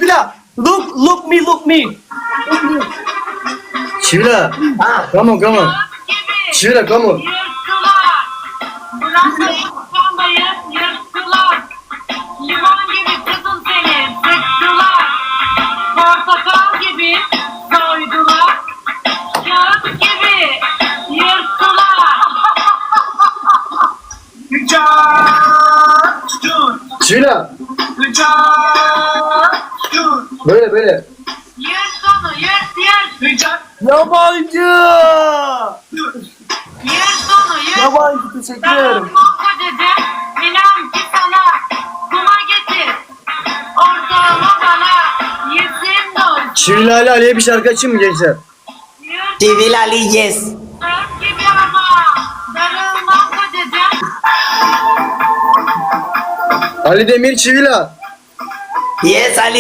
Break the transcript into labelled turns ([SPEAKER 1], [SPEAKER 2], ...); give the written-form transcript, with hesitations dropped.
[SPEAKER 1] Çivila. Look me. Look me.
[SPEAKER 2] Çivila.
[SPEAKER 1] Ah.
[SPEAKER 2] Come on, come on. Çivila, come on.
[SPEAKER 3] Yırttılar. Bırak yırtmayın, yırttılar. Limon gibi kızım seni sıktılar. Portakal gibi soydular. Kağıt gibi yırttılar.
[SPEAKER 2] Çivila. Böyle.
[SPEAKER 3] Yırt onu, yırt.
[SPEAKER 1] Yabancı.
[SPEAKER 3] Yırt onu, yırt.
[SPEAKER 1] Yabancı teşekkür ederim.
[SPEAKER 3] Darılmam kocacığım, inan ki sana kuma getir. Ortağımı bana yesin dur.
[SPEAKER 2] Çivila Ali Ali'ye bir şarkı açayım mı gençler?
[SPEAKER 3] Yırt
[SPEAKER 1] Çivila Ali yes.
[SPEAKER 3] gibi ama darılmam kocacığım.
[SPEAKER 2] Ali Demir Çivila.
[SPEAKER 1] Yes Ali.